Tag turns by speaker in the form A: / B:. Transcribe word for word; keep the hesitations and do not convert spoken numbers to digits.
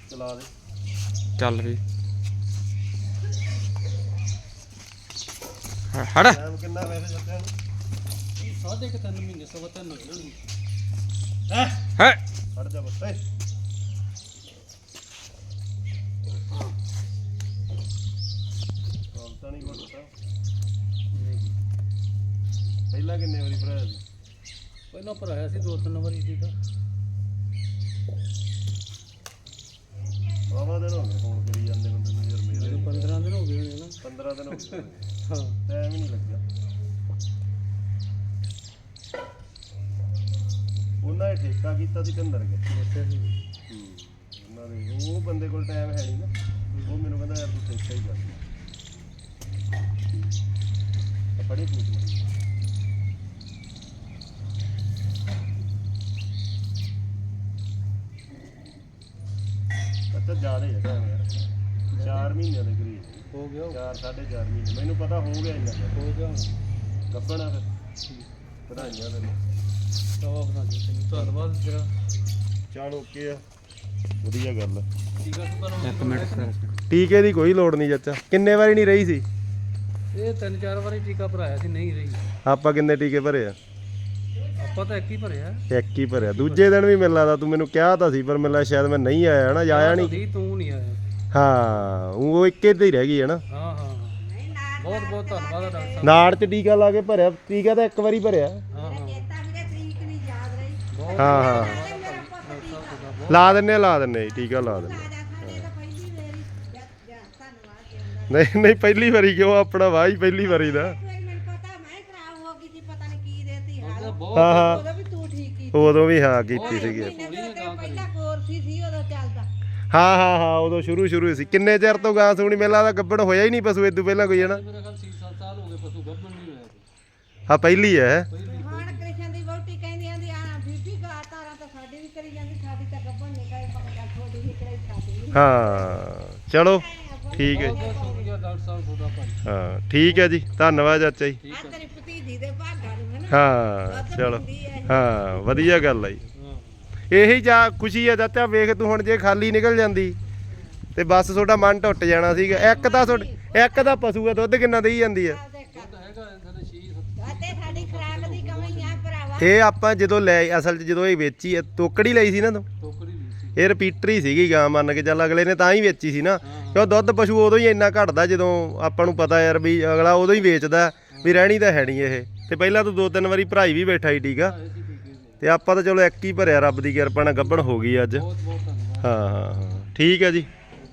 A: ਚਲਾ ਦੇ
B: ਚੱਲ ਵੀ ਹੜ
A: ਟਾਈਮ ਕਿੰਨਾ ਵੈਸੇ ਜੱਟਿਆਂ ਨੂੰ
C: ਸਾਢੇ ਕੁ ਤਿੰਨ ਮਹੀਨੇ ਸਵਾ ਤਿੰਨ ਹੋ ਜਾਣਗੇ
A: ਹੈ
B: ਹੈ
A: ਹਟ ਜਾ ਬਸ ਏ ਤਾਂ ਨਹੀਂ ਘੁੱਟਦਾ ਪਹਿਲਾਂ ਕਿੰਨੇ ਵਾਰੀ ਭਰਾਇਆ ਸੀ
C: ਪਹਿਲਾਂ ਭਰਾਇਆ ਸੀ ਦੋ ਤਿੰਨ ਵਾਰੀ ਠੀਕ ਆ
A: ਬਾਬਾ ਦਿਨ ਹੋ ਗਏ ਫੋਨ ਕਰੀ ਜਾਂਦੇ ਬੰਦੇ ਨੂੰ ਯਾਰ ਮੇਰੇ
C: ਮੈਨੂੰ ਪੰਦਰਾਂ ਦਿਨ ਹੋ ਗਏ ਹੋਣੇ ਨਾ
A: ਪੰਦਰਾਂ ਦਿਨ ਹੋ ਗਏ
C: ਹਾਂ
A: ਟਾਈਮ ਹੀ ਨਹੀਂ ਲੱਗਿਆ ਉਹਨਾਂ ਨੇ ਠੇਕਾ ਕੀਤਾ ਸੀ ਕੰਦਰ ਕੇ
C: ਅੱਛਾ ਜੀ
A: ਉਹਨਾਂ ਦੇ ਉਹ ਬੰਦੇ ਕੋਲ ਟਾਈਮ ਹੈ ਨਹੀਂ ਨਾ ਉਹ ਮੈਨੂੰ ਕਹਿੰਦਾ ਯਾਰ ਤੂੰ ਠੇਕਾ ਹੀ ਕਰ ਬੜੀ ਪੂਛ ਅੱਛਾ ਜ਼ਿਆਦਾ ਹੈ ਟਾਈਮ ਯਾਰ ਚਾਰ ਮਹੀਨਿਆਂ ਦੇ ਕਰੀਬ
C: ਹੋ ਗਿਆ
A: ਚਾਰ ਸਾਢੇ ਚਾਰ ਮਹੀਨੇ ਮੈਨੂੰ ਪਤਾ ਹੋ ਗਿਆ ਇੰਨਾ
C: ਹੋ ਗਿਆ ਹੁਣ
A: ਗੱਬਣਾ ਫਿਰ ਵਧਾਈਆਂ ਤੈਨੂੰ
C: ਤਵਾ ਬਣਾ ਦੇ ਤੈਨੂੰ ਧੰਨਵਾਦ ਤੇਰਾ
A: ਚੱਲ ਓਕੇ ਆ ਵਧੀਆ ਗੱਲ ਆ
C: ਠੀਕ ਆ ਤੂੰ ਤੁਹਾਨੂੰ
B: ਇੱਕ ਮਿੰਟ
A: ਟੀਕੇ ਦੀ ਕੋਈ ਲੋੜ ਨਹੀਂ ਚਾਚਾ ਕਿੰਨੇ ਵਾਰੀ ਨਹੀਂ ਰਹੀ ਸੀ
C: ਇਹ ਤਿੰਨ ਚਾਰ ਵਾਰੀ ਟੀਕਾ ਭਰਾਇਆ ਸੀ ਨਹੀਂ ਰਹੀ
A: ਆਪਾਂ ਕਿੰਨੇ ਟੀਕੇ ਭਰੇ ਆ
C: ਆਪਾਂ ਤਾਂ ਇੱਕ ਹੀ ਭਰਿਆ
A: ਇੱਕ ਹੀ ਭਰਿਆ ਦੂਜੇ ਦਿਨ ਵੀ ਮਿਲਣਾ ਤਾਂ ਤੂੰ ਮੈਨੂੰ ਕਿਹਾ ਤਾਂ ਸੀ ਪਰ ਮੈਨੂੰ ਸ਼ਾਇਦ ਮੈਂ ਨਹੀਂ ਆਇਆ ਨਾ ਆਇਆ ਨਹੀਂ
C: ਸੀ ਤੂੰ ਨਹੀਂ ਆਇਆ
A: ਹਾਂ ਉਹ ਇੱਕੇ ਤੇ ਹੀ ਰਹਿ ਗਈ ਹੈ ਨਾ
C: ਹਾਂ ਹਾਂ ਬਹੁਤ ਬਹੁਤ ਧੰਨਵਾਦ ਆ ਡਾਕਟਰ ਸਾਹਿਬ
A: ਨਾੜ ਚ ਟੀਕਾ ਲਾ ਕੇ ਭਰਿਆ ਟੀਕਾ ਤਾਂ ਇੱਕ ਵਾਰੀ ਭਰਿਆ
C: ਹਾਂ ਹਾਂ ਬਹੁਤ
A: ਹਾਂ ਹਾਂ ਲਾ ਦਿੰਨੇ ਆ, ਲਾ ਦਿੰਨੇ ਆ ਜੀ, ਟੀਕਾ ਲਾ ਦਿੰਨੇ ਆ। ਨਹੀਂ ਨਹੀਂ ਪਹਿਲੀ ਵਾਰੀ ਕਿਉਂ ਆਪਣਾ ਵਾਹ ਹੀ ਪਹਿਲੀ ਵਾਰੀ ਦਾ
C: ਬਹੁਤ
A: ਹਾਂ ਹਾਂ
D: ਉਦੋਂ ਵੀ ਤੂੰ ਠੀਕ ਕੀਤੀ
A: ਉਦੋਂ ਵੀ ਹਾਂ ਕੀਤੀ ਸੀਗੀ
D: ਮਹੀਨੇ ਤੋਂ ਤੇਰਾ ਪਹਿਲਾ ਕੋਰਸ ਹੀ ਸੀ ਉਦੋਂ ਚੱਲਦਾ
A: ਹਾਂ ਹਾਂ ਹਾਂ ਉਦੋਂ ਸ਼ੁਰੂ ਸ਼ੁਰੂ ਸੀ ਕਿੰਨੇ ਚਿਰ ਤੋਂ ਗਾਂ ਸੂਣੀ ਮੇਲਾ ਦਾ ਗੱਬੜ ਹੋਇਆ ਹੀ ਨਹੀਂ ਪਸ਼ੂ ਇਦੋਂ ਪਹਿਲਾਂ ਕੋਈ ਹੈ ਨਾ
C: ਮੇਰਾ ਖਿਆਲ ਛੇ ਸੱਤ ਸਾਲ ਹੋ ਗਏ ਪਸ਼ੂ ਗੱਭਣ ਨਹੀਂ ਹੋਇਆ ਕੋਈ।
A: ਹਾਂ ਪਹਿਲੀ ਹੈ
C: ਪਹਿਲੀ
D: ਹੁਣ ਕ੍ਰਿਸ਼ਨ ਦੀ ਵਹੁਟੀ ਕਹਿੰਦੀ ਆਂਦੀ ਆ ਬੀਬੀ ਗਾ ਤਾਰਾਂ ਤਾਂ ਸਾਡੀ ਵੀ ਕਰੀ ਜਾਂਦੀ ਸਾਡੀ ਤਾਂ ਗੱਭਣ ਨਹੀਂ ਕਰੇ ਪਕੜਾ ਥੋੜੀ ਹੀ ਕਰਾਈ ਸਾਡੀ
A: ਹਾਂ ਚਲੋ ਠੀਕ ਹੈ
C: ਬਹੁਤ ਬਹੁਤ ਸ਼ੁਕਰੀਆ ਡਾਕਟਰ ਸਾਹਿਬ ਤੁਹਾਡਾ ਭਾਈ
A: ਹਾਂ ਠੀਕ ਹੈ ਜੀ ਧੰਨਵਾਦ ਚਾਚਾ ਜੀ
D: ਆ ਤੇਰੀ ਭਤੀਜੀ ਦੇ ਭਾਗਾਂ ਨੂੰ ਹੈ ਨਾ
A: ਹਾਂ ਚਲੋ ਹਾਂ ਵਧੀਆ ਗੱਲ ਆ ਜੀ
C: ਹਾਂ
A: ਇਹੀ ਜਾ ਖੁਸ਼ੀ ਆ ਚਾਚਾ ਵੇਖ ਤੂੰ ਹੁਣ ਜੇ ਖਾਲੀ ਨਿਕਲ ਜਾਂਦੀ ਤੇ ਬਸ ਤੁਹਾਡਾ ਮਨ ਟੁੱਟ ਜਾਣਾ ਸੀਗਾ ਇੱਕ ਤਾਂ ਤੁਹਾਡੇ ਇੱਕ ਤਾਂ ਪਸ਼ੂ ਆ ਦੁੱਧ ਕਿੰਨਾ ਦੇਈ ਜਾਂਦੀ ਆ
C: ਤਾਂ ਹੈਗਾ ਥੱਲੇ ਛੇ ਸੱਤ
D: ਤੇ ਸਾਡੀ ਖਰਾਕ ਦੀ ਕਮੀ ਆ ਭਰਾਵਾ
A: ਇਹ ਆਪਾਂ ਜਦੋਂ ਲੈ ਅਸਲ 'ਚ ਜਦੋਂ ਇਹ ਵੇਚੀ ਆ ਤੋਕੜੀ ਲਈ ਸੀ ਨਾ ਤੂੰ
C: ਟੋਕਰੀ ਵੀ ਸੀ
A: ਇਹ ਰਿਪੀਟਰ ਹੀ ਸੀਗੀ ਗਾਂ ਮੰਨ ਕੇ ਚੱਲ ਅਗਲੇ ਨੇ ਤਾਂ ਹੀ ਵੇਚੀ ਸੀ ਨਾ ਕਿਉਂ ਦੁੱਧ ਪਸ਼ੂ ਉਦੋਂ ਹੀ ਇੰਨਾ ਘਟਦਾ ਜਦੋਂ ਆਪਾਂ ਨੂੰ ਪਤਾ ਯਾਰ ਵੀ ਅਗਲਾ ਉਦੋਂ ਹੀ ਵੇਚਦਾ ਵੀ ਰਹਿਣੀ ਤਾਂ ਹੈ ਨਹੀਂ ਇਹ ਤੇ ਪਹਿਲਾਂ ਤੂੰ ਦੋ ਤਿੰਨ ਵਾਰੀ ਭਰਾਈ ਵੀ ਬੈਠਾ ਸੀ ਠੀਕ ਆ
C: ਐਸੀ ਟੀਕੇ ਦੇ
A: ਤੇ ਆਪਾਂ ਤਾਂ ਚਲੋ ਇੱਕ ਹੀ ਭਰਿਆ ਰੱਬ ਦੀ ਕਿਰਪਾ ਨਾਲ ਗੱਭਣ ਹੋ ਗਈ ਅੱਜ
C: ਬਹੁਤ ਬਹੁਤ ਧੰਨਵਾਦ
A: ਹਾਂ ਹਾਂ ਹਾਂ ਠੀਕ ਹੈ ਜੀ